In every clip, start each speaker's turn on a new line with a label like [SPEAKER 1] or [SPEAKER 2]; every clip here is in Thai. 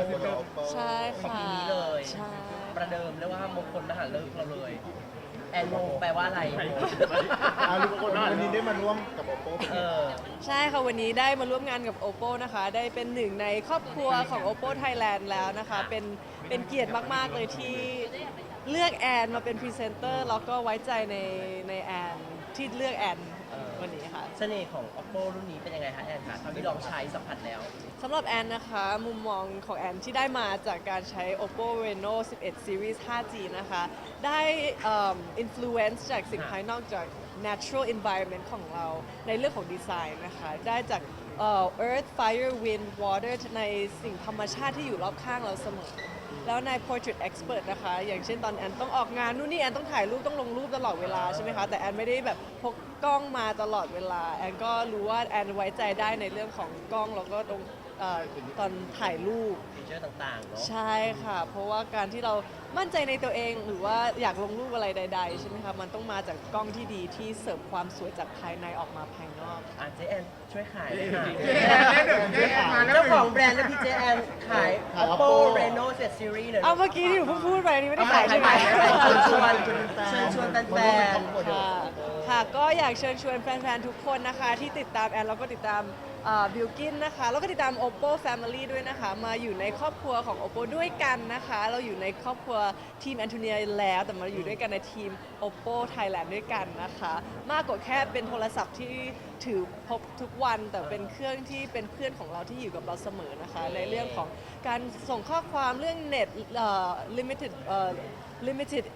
[SPEAKER 1] คือเดิม
[SPEAKER 2] ใช่ค่ะ
[SPEAKER 3] ของปีนี้เลย
[SPEAKER 2] ใช่
[SPEAKER 3] ประเดิมเรียกว่ามงคลมหาฤกษ์เราเลยแอนโมแปลว่าอะไร
[SPEAKER 1] ลูกคนวันนี้ได้มาร่วมกับ Oppo เป็น
[SPEAKER 3] เอ
[SPEAKER 1] ไง
[SPEAKER 3] อ
[SPEAKER 2] ใช่ค่ะวันนี้ได้มาร่วมงานกับ Oppo นะคะ ได้เป็นหนึ่งในครอบครัวของ Oppo Thailand แล้วนะคะ เป็นเกียรติมากๆเลยที่เลือกแอนมาเป็นพรีเซนเตอร์แล้วก็ไว้ใจในแอนที่เลือกแอนวันนี้ค่ะ
[SPEAKER 3] เสน่ห์ของ Oppo รุ่นนี้เป็นยังไงคะแอนคะเท่าที่ลองใช้สัมผัสแล้ว
[SPEAKER 2] สำหรับแอนนะคะมุมมองของแอนที่ได้มาจากการใช้ Oppo Reno 11 Series 5G นะคะได้influence จากสิ่งภายนอกจาก natural environment ของเราในเรื่องของดีไซน์นะคะได้จากearth fire wind water ในสิ่งธรรมชาติที่อยู่รอบข้างเราเสมอแล้วใน portrait expert นะคะอย่างเช่นตอนแอนต้องออกงานนู่นนี่แอนต้องถ่ายรูปต้องลงรูปตลอดเวลาใช่ไหมคะแต่แอนไม่ได้แบบพกกล้องมาตลอดเวลาแอนก็รู้ว่าแอนไว้ใจได้ในเรื่องของกล้องแล้วก็ตรงตอนถ่ายรูป
[SPEAKER 3] ฟีเจอร์ต่างๆเนาะ
[SPEAKER 2] ใช่ค่ะ เพราะว่าการที่เรามั่นใจในตัวเองหรือว่าอยากลงรูปอะไรใดๆใช่ไหมคะมันต้องมาจากกล้องที่ดีที่เสิร์ฟความสวยจากภายในออกมาภายนอก
[SPEAKER 3] เจแอนช่วยขายเลยค่ะ
[SPEAKER 1] เจ๊แอนเจ๊แอนมาแล้ว
[SPEAKER 3] เจ้าของแบรนด์และพี่เจแอนขาย Oppo Reno 7 Series เลย
[SPEAKER 2] เอาเมื่อกี้ที่หนูเพิ่งพูดไปนี่ไม่ได้ขายใช่ไหม
[SPEAKER 3] เชิญชวนแฟน
[SPEAKER 2] ค่ะค่ะก็อยากเชิญชวนแฟนๆ ทุกคนนะคะ ที่ติดตามแอนแล้วก็ติดตามบิลกินนะคะแล้วก็ติดตาม Oppo Family ด้วยนะคะ มาอยู่ในครอบครัวของ Oppo ด้วยกันนะคะ เราอยู่ในครอบครัวทีมแอนโทเนียแล้ว แต่มาอยู่ด้วยกันในทีม Oppo Thailand ด้วยกันนะคะ มากกว่าแค่เป็นโทรศัพท์ที่ถือพบทุกวัน แต่เป็นเครื่องที่เป็นเพื่อนของเราที่อยู่กับเราเสมอนะคะ ในเรื่องของการส่งข้อความเรื่องเน็ตlimited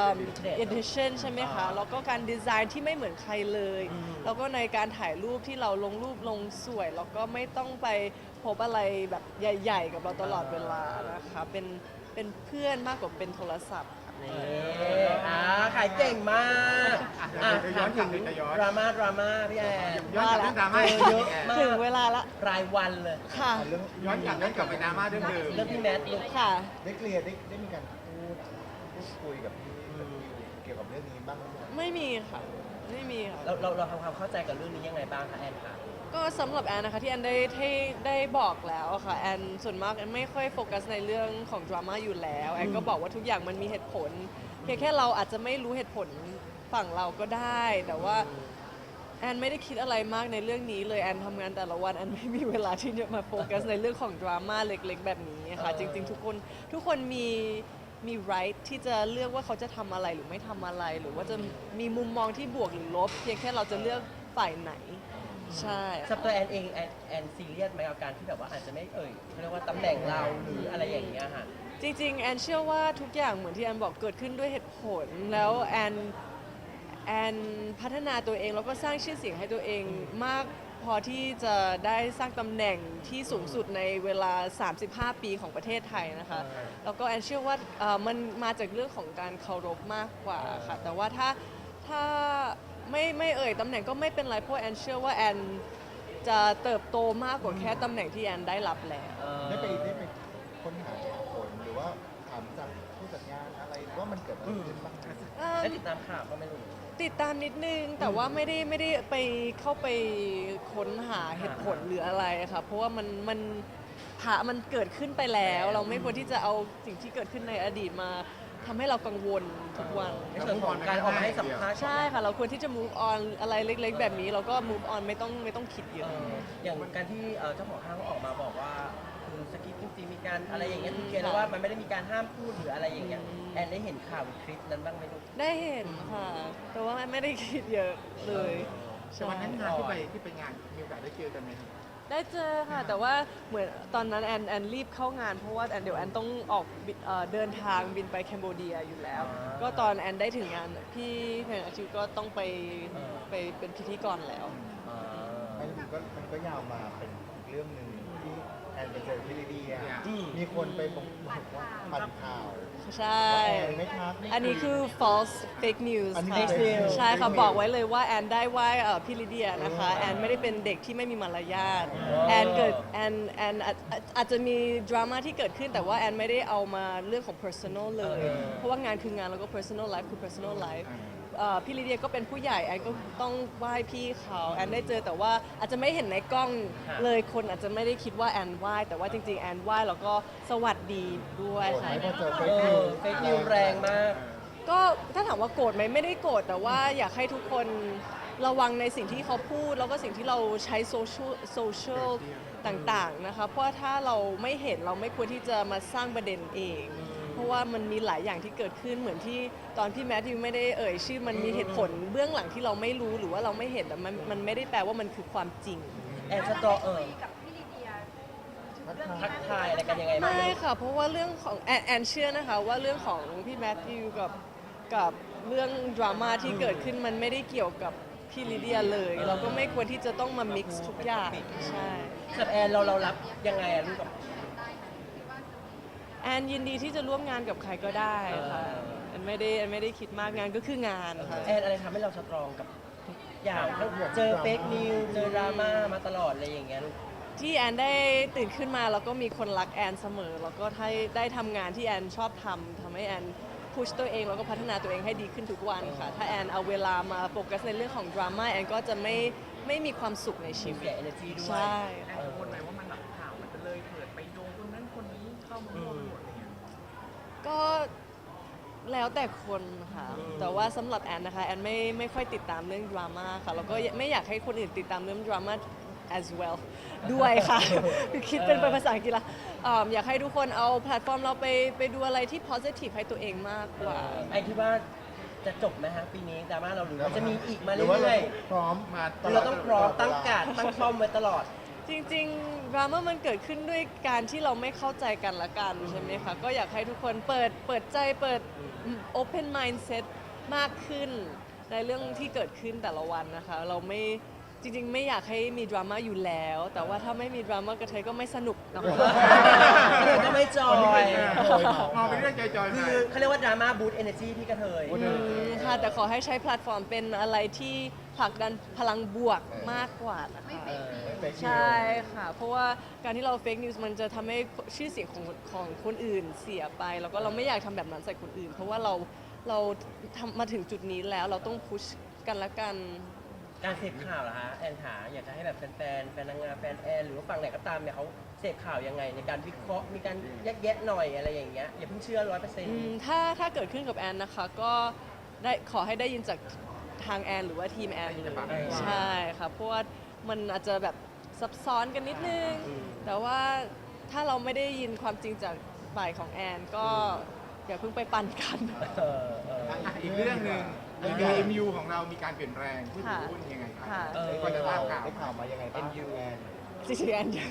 [SPEAKER 2] edition ใช่ไหมคะ แล้วก็การดีไซน์ที่ไม่เหมือนใครเลย แล้วก็ในการถ่ายรูปที่เราลงรูปลงสวย แล้วก็ไม่ต้องไปพบอะไรแบบใหญ่ๆ กับเราตลอดเวลานะคะ เป็นเพื่อนมากกว่าเป็นโทรศัพท์ค่ะ
[SPEAKER 3] นี่ขายเก่งมากถามถึงดราม่าพี่แอน
[SPEAKER 1] ย้อนกลับเรื่องดราม่า
[SPEAKER 3] เยอะมาก
[SPEAKER 2] ถึงเวลาละ
[SPEAKER 3] รายวันเลย
[SPEAKER 2] ค่ะ
[SPEAKER 1] ย้อนกลับไปดราม่าเรื่องเดิม
[SPEAKER 3] เรื่องพี่แมทลูก
[SPEAKER 2] ค่ะ
[SPEAKER 1] ได้เคลียร์ได้มีการพูดคุยกับพี่เกี่ยวกับเรื่องนี้บ้างไหม
[SPEAKER 2] ไม่มีค่ะ ไม่มีค่ะ
[SPEAKER 3] เราทำความเข้าใจกับเรื่องนี้ยังไงบ้างคะแอนคะ
[SPEAKER 2] ก็สำหรับแอนนะคะที่แอนได้บอกแล้วอะค่ะแอนส่วนมากแอนไม่ค่อยโฟกัสในเรื่องของดราม่าอยู่แล้วแอนก็บอกว่าทุกอย่างมันมีเหตุผลเพียงแค่เราอาจจะไม่รู้เหตุผลฝั่งเราก็ได้ แต่ว่าแอนไม่ได้คิดอะไรมากในเรื่องนี้เลยแอนทำงานแต่ละวันแอนไม่มีเวลาที่จะมาโฟกัสในเรื่องของดราม่าเล็กๆแบบนี้ค่ะจริงๆ ทุกคนมี right ที่จะเลือกว่าเขาจะทำอะไรหรือไม่ทำอะไร หรือว่าจะมีมุมมองที่บวกหรือลบเพียงแค่เราจะเลือกฝ่ายไหนใช่
[SPEAKER 3] สำหรับตัวแอนเองแอนซีเรียสไหมกับการที่แบบว่าอาจจะไม่เขาเรียกว่าตำแหน่งเราหรืออะไรอย่างเงี้ยค่ะ
[SPEAKER 2] จริงๆ แอนเชื่อว่าทุกอย่างเหมือนที่แอนบอกเกิดขึ้นด้วยเหตุผล แล้วแอนพัฒนาตัวเองแล้วก็สร้างชื่อเสียงให้ตัวเองมากพอที่จะได้สร้างตำแหน่งที่สูงสุดในเวลา 35 ปีของประเทศไทยนะคะ แล้วก็แอนเชื่อว่ามันมาจากเรื่องของการเคารพมากกว่าค่ะ แต่ว่าถ้าไม่เอ่ยตำแหน่งก็ไม่เป็นไรเพราะแอนเชื่อว่าแอนจะเติบโตมากกว่าแค่ตำแหน่งที่แอนได้รับแล้ว
[SPEAKER 1] ได้ไปค้นหาเหตุผลหรือว่าถามจากผู้จัดงานอะไรว่ามันเกิดอะไรขึ้นบ้างไหม
[SPEAKER 3] ได้ติดตามข่าวก็ไม่รู้
[SPEAKER 2] ติดตามนิดนึงแต่ว่าไม่ได้ไปเข้าไปค้นหาเหตุผลหรืออะไรค่ะเพราะว่ามันเกิดขึ้นไปแล้ว เราไม่ควรที่จะเอาสิ่งที่เกิดขึ้นในอดีตมาทำให้เรากังวลทุกวัน
[SPEAKER 3] ในส่วนของการออกมาให้สัมภาษณ์
[SPEAKER 2] ใช่ค่ะ เราควรที่จะ move on อะไรเล็ก ๆ แบบนี้เราก็ move on ไม่ต้องคิดเยอะ
[SPEAKER 3] อย่างการที่เจ้าของห้างเขาออกมาบอกว่าคือสกิปจริงๆมีการอะไรอย่างเงี้ยคือเคลียร์แล้วว่ามันไม่ได้มีการห้ามพูดหรืออะไรอย่างเงี้ยแอนได้เห็นข่าวหรือคลิปนั้นบ้างไหมลูก
[SPEAKER 2] ได้เห็นค่ะ แต่ว่าไม่ได้คิดเยอะเลย
[SPEAKER 1] แต่วันนั้นงานที่ไปงานมีโอกาสได้เจอกันไหม
[SPEAKER 2] ได้เจอค่ะ แต่ว่าเหมือนตอนนั้นแอนรีบเข้างานเพราะว่าเดี๋ยวแอนต้องออกเดินทางบินไปแคนเบเดียอยู่แล้ว ก็ตอนแอนได้ถึงงานพี่เพนอาชิวก็ต้องไปเป็นพิธีกรแล้ว
[SPEAKER 1] มันก็ยาวมาเป็นอีกเรื่องหนึ่งที่แอนไปเจอพี่ลิเดียมีคนไปบอกว่าปั่นข่าว
[SPEAKER 2] ใช่
[SPEAKER 1] แอนไม่ทัก
[SPEAKER 2] อันนี้คือ false fake news
[SPEAKER 1] อันนี้
[SPEAKER 2] ค่ะ
[SPEAKER 1] fake news
[SPEAKER 2] ใช่ค่ะ บอกไว้เลยว่าแอนได้ไหว้พี่ลิเดียนะคะ แอนไม่ได้เป็นเด็กที่ไม่มีมารยาทแอนอาจจะมีดราม่าที่เกิดขึ้นแต่ว่าแอนไม่ได้เอามาเรื่องของ personal เลย เพราะว่างานคืองานแล้วก็ personal life คือ personal life พี่ลิเดียก็เป็นผู้ใหญ่แอนก็ต้องไหว้พี่เขาแอนได้เจอแต่ว่าอาจจะไม่เห็นในกล้องเลยคนอาจจะไม่ได้คิดว่าแอนไหว้แต่ว่าจริงๆแอนไหว้แล้วก็สวัสดีด้วย
[SPEAKER 1] โกรธ
[SPEAKER 2] ค่ะ
[SPEAKER 1] ไหมพอเจอเฟ
[SPEAKER 3] เอ
[SPEAKER 1] ซนิว
[SPEAKER 3] อเฟซนิวแรงมาก
[SPEAKER 2] ก็ถ้าถามว่าโกรธไหมไม่ได้โกรธแต่ว่าอยากให้ทุกคนระวังในสิ่งที่เขาพูด แล้วก็สิ่งที่เราใช้โซเชียลต่างๆนะคะเพราะว่าถ้าเราไม่เห็นเราไม่ควรที่จะมาสร้างประเด็นเอง เพราะว่ามันมีหลายอย่างที่เกิดขึ้นเหมือนที่ตอนพี่แมทธิวไม่ได้เอ่ยชื่อมันมีเหตุผลเบื้องหลังที่เราไม่รู้หรือว่าเราไม่เห็นแต่มันไม่ได้แปลว่ามันคือความจริง
[SPEAKER 3] แอนสตรอ
[SPEAKER 4] กับพี่ลิเดีย
[SPEAKER 3] ทักทายอะไรกันยังไงบ้าง
[SPEAKER 2] ไม่ค่ะ เพราะว่าเรื่องของแอนเชื่อนะคะว่าเรื่องของพี่แมทธิวกับเรื่องดราม่าที่เกิดขึ้นมันไม่ได้เกี่ยวกับพี่ลิเดียเลย เราก็ไม่ควรที่จะต้องมา mix ทุกอย่างใช่
[SPEAKER 3] กับแอนเรารับยังไงอะลูกกับ
[SPEAKER 2] แอนยินดีที่จะร่วมงานกับใครก็ได้ค่ะแอนไม่ได้คิดมากงานก็คืองานค่ะ
[SPEAKER 3] แอนอะไรทำให้เราสตรองกับทุกอย่างทั้งเจอเฟกนิวเจอดราม่ามาตลอดอะไรอย่างเงี้ยลูก
[SPEAKER 2] ที่แอนได้ตื่นขึ้นมาแล้วก็มีคนรักแอนเสมอ แล้วก็ได้ทำงานที่แอนชอบทำให้แอนพุชตัวเองแล้วก็พัฒนาตัวเองให้ดีขึ้นทุกวันค่ะ ถ้าแอนเอาเวลามาโฟกัสในเรื่องของดราม่าแอนก็จะไม่มีความสุขในชีวิ
[SPEAKER 3] เสี
[SPEAKER 2] ต
[SPEAKER 3] ย energy ด้วย
[SPEAKER 2] ใช่
[SPEAKER 5] แอนกังวลไหมว่ามันแบบข่าวมันจะเลยเถิดไปโยงคนนั้นคนนี้เข้ามาร่วมหมดอะไรเงี้ย
[SPEAKER 2] ก็แล้วแต่คนค่ะ แต่ว่าสำหรับแอนนะคะแอนไม่ค่อยติดตามเรื่องดราม่าค่ะแล้วก็ไม่อยากให้คนอื่นติดตามเรื่องดราม่า as well ด้วยค่ะ คือคิดเป็นภาษาอังกฤษละอยากให้ทุกคนเอาแพลตฟอร์มเราไปดูอะไรที่ positive ให้ตัวเองมากกว่า
[SPEAKER 3] ไอคิดว่าจะจบไหมฮะปีนี้ดราม่าเราหรือว่าจะมีอีกมา
[SPEAKER 1] หรือว่า
[SPEAKER 3] เรื่
[SPEAKER 1] เรา
[SPEAKER 3] อย
[SPEAKER 1] พร้อม
[SPEAKER 5] มา
[SPEAKER 3] ๆเราต้องพร้อมตั้งการดตั้งป้อมไว้ตลอด
[SPEAKER 2] จริงๆดราม่ามันเกิดขึ้นด้วยการที่เราไม่เข้าใจกันละกันใช่ไหมคะ ก็อยากให้ทุกคนเปิดใจเปิด open mindset มากขึ้นในเรื่องที่เกิดขึ้นแต่ละวันนะคะ เราไม่จริงๆ ไม่อยากให้มีดราม่าอยู่แล้ว แต่ว่าถ้าไม่มีดราม่ากระเทยก็ไม่สนุกนะคะ
[SPEAKER 3] ก็ไม่จอย
[SPEAKER 5] มองเป็นเรื่องจอยๆ
[SPEAKER 3] คื
[SPEAKER 5] ไป
[SPEAKER 3] อเขาเรียกว่าดราม่าบูตเอเนจีพี่กระเทย
[SPEAKER 2] ค่ะแต่ขอให้ใช้แพลตฟอร์มเป็นอะไรที่ผลักดันพลังบวกมากกว่านะคะ
[SPEAKER 1] เฟซนิว
[SPEAKER 2] ใช่ค่ะ เพราะว่าการที่เราเฟกนิวส์มันจะทำให้ชื่อเสียงของคนอื่นเสียไป แล้วก็เราไม่อยากทำแบบนั้นใส่คนอื่น เพราะว่าเราทำมาถึงจุดนี้แล้วเราต้องพุชกันละกัน
[SPEAKER 3] การเสพข่าวเหรอฮะแอนขาอยากจะให้แบบแฟนนางงามแฟนแอนหรือว่าฝั่งไหนก็ตามเนี่ยเขาเสพข่าวยังไงในการวิเคราะห์มีการแยกแยะหน่อยอะไรอย่างเงี้ยอย่าเพิ่งเชื่อ100%
[SPEAKER 2] ถ้าเกิดขึ้นกับแอนนะคะก็ขอให้ได้ยินจากทางแอนหรือว่าทีมแอนเลยใช่ค่ะเพราะว่ามันอาจจะแบบซับซ้อนกันนิดนึง แต่ว่าถ้าเราไม่ได้ยินความจริงจากฝ่ายของแอนก็อย่าเพิ่งไปปั่นกัน
[SPEAKER 5] อีกเรื่องหนึ่ง MU ของเรามีการเปลี่ยนแปลงผู้ถือหุ้นยังไงครั
[SPEAKER 2] ค่ะ
[SPEAKER 5] ก็จะทราบข่าว
[SPEAKER 1] ได้ข่าวมายังไงบ้างแอน
[SPEAKER 2] จริงๆแอนยัง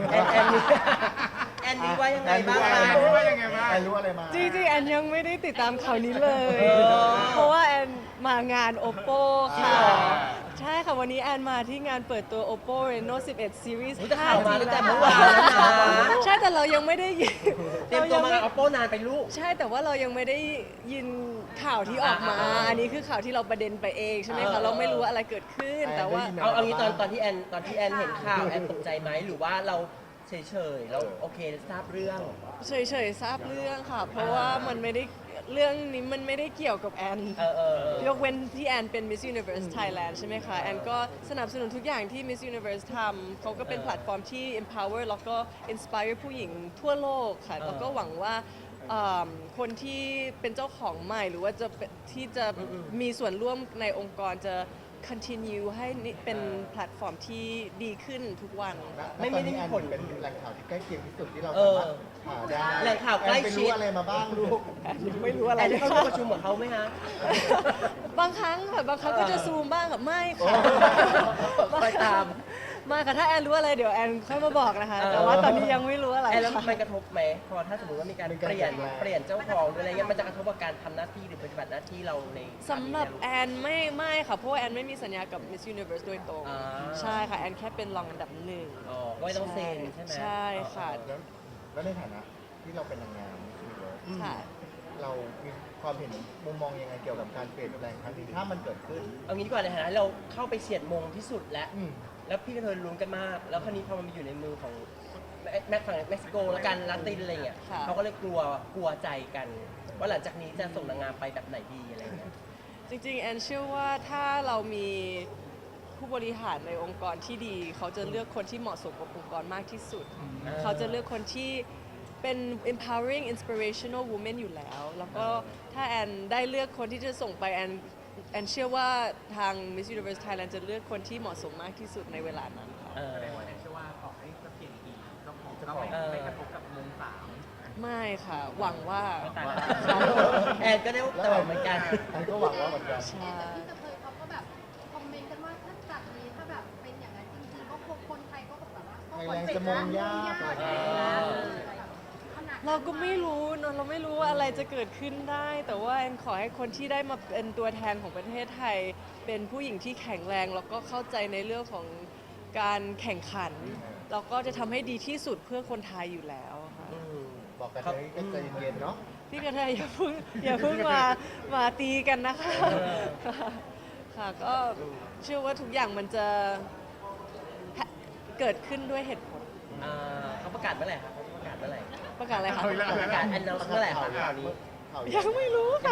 [SPEAKER 3] แอนนี่ว่ายังไงบ้าง
[SPEAKER 5] แอ
[SPEAKER 3] คะ
[SPEAKER 5] นรู้ว่ายังไงบ้าง
[SPEAKER 1] แอนรู้อะไรมา
[SPEAKER 2] จริงๆแอนยังไม่ได้ติดตามข่าวนี้เลย
[SPEAKER 3] เออ
[SPEAKER 2] เพราะว่าแอนมางาน Oppo ค่ะ
[SPEAKER 1] อ่า
[SPEAKER 2] ใช่ค่ะ วันนี้แอนมาที่งานเปิดตัว Oppo Reno 11 Series
[SPEAKER 3] อุ๊ยแต่ข่าวมา
[SPEAKER 2] 5G
[SPEAKER 3] ตั้งแต่
[SPEAKER 2] แล้ว
[SPEAKER 3] เมื่อวานแล้วนะ
[SPEAKER 2] ใช่แต่เรายังไม่ได้ยิน
[SPEAKER 3] เตรียมตัวมาเอาโป้นานไปลูก
[SPEAKER 2] ใช่แต่ว่าเรายังไม่ได้ยินข่าวที่ออกมา อันนี้คือข่าวที่เราประเด็นไปเองใช่ไหม
[SPEAKER 3] เอ
[SPEAKER 2] คะ
[SPEAKER 3] อ
[SPEAKER 2] เราไม่รู้ว่าอะไรเกิดขึ้น แต่ว่า
[SPEAKER 3] เอางี้ตอนที่แอนเห็นข่าวแอนตกใจไหมหรือว่าเราเฉยๆเราโอเคทราบเรื่อง
[SPEAKER 2] เฉยๆทราบเรื่องค่ะ เพราะว่ามันไม่ได้เรื่องนี้มันไม่ได้เกี่ยวกับแอน ยกเว้นที่แอนเป็น Miss Universe Thailand ใช่ไหมคะ แอนก็สนับสนุนทุกอย่างที่ Miss Universe ทำเขาก็เป็นแพลตฟอร์มที่ empower แล้วก็ inspire ผู้หญิงทั่วโลกค่ะ แล้วก็หวังว่าคนที่เป็นเจ้าของใหม่หรือว่าที่จะมีส่วนร่วมในองค์กรจะ continue ให้นี่เป็นแพลตฟอร์มที่ดีขึ้นทุกวันค่ะ
[SPEAKER 3] ไม่ได้มีผล
[SPEAKER 1] เป็นแหล่งข่าวที่ใกล้เคียงที่สุดที่เรา
[SPEAKER 3] เอ
[SPEAKER 1] สา
[SPEAKER 3] อ
[SPEAKER 1] มารถหาได้
[SPEAKER 3] แหล่งข่าวใกล้ชิด
[SPEAKER 1] แอนไปรู้อะไรมาบ้างลูก
[SPEAKER 2] ยังไม่รู้อะไร
[SPEAKER 3] แอน
[SPEAKER 2] เล
[SPEAKER 3] ได้
[SPEAKER 2] ย
[SPEAKER 3] เข้าร่ว
[SPEAKER 2] ค่ะ
[SPEAKER 3] มประชุมกับเขาไหมคะ
[SPEAKER 2] บางครั้งค่ะบางครั้งก็จะซูมบ้างค่ะไม่ค่ะ
[SPEAKER 3] คอยตาม
[SPEAKER 2] มาค่ะถ้าแอนรู้อะไรเดี๋ยวแอนค่อยมาบอกนะคะ
[SPEAKER 3] เออ
[SPEAKER 2] แต่ว่าตอนนี้ยังไม่รู้อะไร
[SPEAKER 3] แอนแล้ว
[SPEAKER 2] ค่ะ
[SPEAKER 3] มันกระทบไหมพอถ้าสมมติว่ามีการเปลี่ยนเจ้าของหรืออะไรเงี้ยมันจะกระทบกับการทำหน้าที่หรือปฏิบัติหน้าที่เราใน
[SPEAKER 2] สำหรับแอนไม่ค่ะ เพราะว่าแอนไม่มีสัญญากับ Miss Universe โดยตรง
[SPEAKER 3] อ่า
[SPEAKER 2] ใช่ค่ะ แอนแค่เป็นรองอันดับหนึ่ง
[SPEAKER 3] อ๋อก็ไม่ต้องเซ็นใช่ไหม
[SPEAKER 2] ใช่ค่ะ
[SPEAKER 1] แล้วในฐานะที่เราเป็นนางงามนี่เลย
[SPEAKER 2] ค่ะ
[SPEAKER 1] เรามีความเห็นมุมมองยังไงเกี่ยวกับการเปลี่ยนแปลงครั้งนี้ถ้ามันเกิดขึ้น
[SPEAKER 3] เอางี้ดีกว่าในฐานะเราเข้าไปเฉียดมงที่สุดแล้ว
[SPEAKER 1] อืม
[SPEAKER 3] แล้วพี่กระเทยลุ้นกันมาก แล้วคราวนี้พอมันมาอยู่ในมือของฝั่งเม็กซิโกแล้วกันลาตินอะไรเงี้ย
[SPEAKER 2] ค่ะ
[SPEAKER 3] เขาก็เลยกลัวใจกัน ว่าหลังจากนี้จะส่งนางงามไปแบบไหนดีอะไรเงี้ย
[SPEAKER 2] จริงๆแอนเชื่อว่าถ้าเรามีผู้บริหารในองค์กรที่ดี เขาจะเลือกคนที่เหมาะสมกับองค์กรมากที่สุด เขาจะเลือกคนที่เป็น empowering inspirational woman อยู่แล้ว แล้วก็ถ้าแอนได้เลือกคนที่จะส่งไปแอนเชื่อว่าทาง Miss Universe Thailand จะเลือกคนที่เหมาะสมมากที่สุดในเวลานั้นค่ะ
[SPEAKER 3] เออ
[SPEAKER 4] แสดงว่าแอนเชื่อว่าต่อให้จะเปลี่ยนปีก็คงจะไม่กระทบกับวงสาม
[SPEAKER 2] ไม่ค่ะ หวังว่า
[SPEAKER 3] ตายแล้วแอนก็ได้แต่ว่าเหมือนกัน
[SPEAKER 1] แอนก็หวังว่าเหมือนกัน
[SPEAKER 2] ใช่
[SPEAKER 6] แต่ที่เคยเขาก็แบบคอมเมนต์กันว่าถ้าจากนี้ถ้าแบบเป็นอย่างนั้นจริงๆก็คงคนไทยก็แบบว่าก็คนเป็นนะยาก
[SPEAKER 2] เราก็ไม่รู้เนอะเราไม่รู้ว่าอะไรจะเกิดขึ้นได้ แต่ว่าแอนขอให้คนที่ได้มาเป็นตัวแทนของประเทศไทย เป็นผู้หญิงที่แข็งแรง แล้วก็เข้าใจในเรื่องของการแข่งขัน แล้วก็จะทำให้ดีที่สุดเพื่อคนไทยอยู่แล้วค่ะ
[SPEAKER 3] อืม
[SPEAKER 1] บอกกันเลยก็ใจเย็นๆเนาะ
[SPEAKER 2] พี่กระเทยอย่าเพิ่งมาตีกันนะคะ ค่ะก็เชื่อว่าทุกอย่างมันจะเกิดขึ้นด้วยเหตุผล
[SPEAKER 3] เขาประกาศเมื่อไหร่ครับเขาประกาศเมื่อไหร่
[SPEAKER 2] ประกาศอะไรคะ
[SPEAKER 3] ประกาศ announce เมื่อไหร่ครับข่าวนี้
[SPEAKER 2] ยังไม่รู้ค่ะ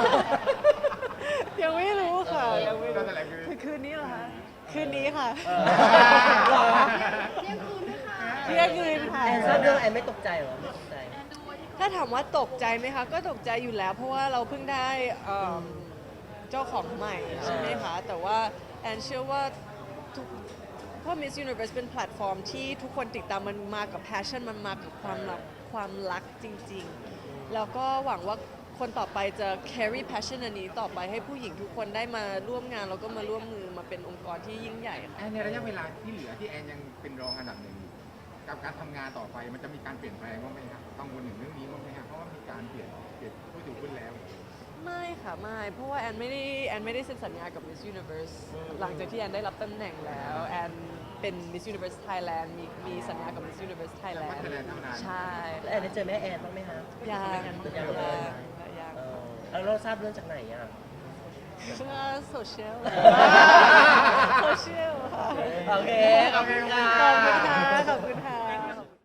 [SPEAKER 2] ยังไม่รู้ค่ะยังไม่รู้
[SPEAKER 5] ก็แถลงคือ
[SPEAKER 2] คืนนี้เหรอคะคืนนี้ค่ะ
[SPEAKER 3] หรอ
[SPEAKER 6] เที่ยงคืนด้วยค่ะ
[SPEAKER 2] เที่ยงคืนค่ะ
[SPEAKER 3] แอนทราบเรื่องแอนไม่ตกใจเหรอไม่ตกใจ
[SPEAKER 6] แอนดูไว้ที่
[SPEAKER 2] ถ้าถามว่าตกใจไหมคะ ก็ตกใจอยู่แล้ว เพราะว่าเราเพิ่งได้เจ้าของใหม่ใช่ไหมคะ แต่ว่าแอนเชื่อว่าทุกเพราะ Miss Universe เป็นแพลตฟอร์มที่ทุกคนติดตามมันมากับ passion มันมากับความรักจริงๆ แล้วก็หวังว่าคนต่อไปจะ carry passion อันนี้ต่อไปให้ผู้หญิงทุกคนได้มาร่วมงาน แล้วก็มาร่วมมือมาเป็นองค์กรที่ยิ่งใหญ่ค่ะ
[SPEAKER 5] แอนในระยะเวลาที่เหลือที่แอนยังเป็นรองอันดับหนึ่งอยู่กับการทำงานต่อไปมันจะมีการเปลี่ยนแปลงบ้างไหมครับกังวลถึงเรื่องนี้บ้างไหมครับเพราะว่ามีการเปลี่ยนผู้ถือหุ้นแล้ว
[SPEAKER 2] ไม่ค่ะไม่เพราะว่าแอนไม่ได้เซ็นสัญญากับ Miss Universe หลังจากที่แอนได้รับตำแหน่งแล้วแอนเป็น Miss Universe Thailand มีสัญญากับ Miss Universe Thailand
[SPEAKER 5] แต่ว่า Thailand เท่านั้น
[SPEAKER 2] ใช่
[SPEAKER 3] แล้วแอนได้เจอแม่แอนบ้างไหมฮะ
[SPEAKER 2] ยัง
[SPEAKER 3] ยังเลย
[SPEAKER 2] ยัง
[SPEAKER 3] แล้วเราทราบเรื่องจากไหนอ่ะ
[SPEAKER 2] เพื่อโซเชียลโซเชียลค่ะ
[SPEAKER 3] โอเค ขอบคุณค่ะ
[SPEAKER 2] ขอบคุณค่ะ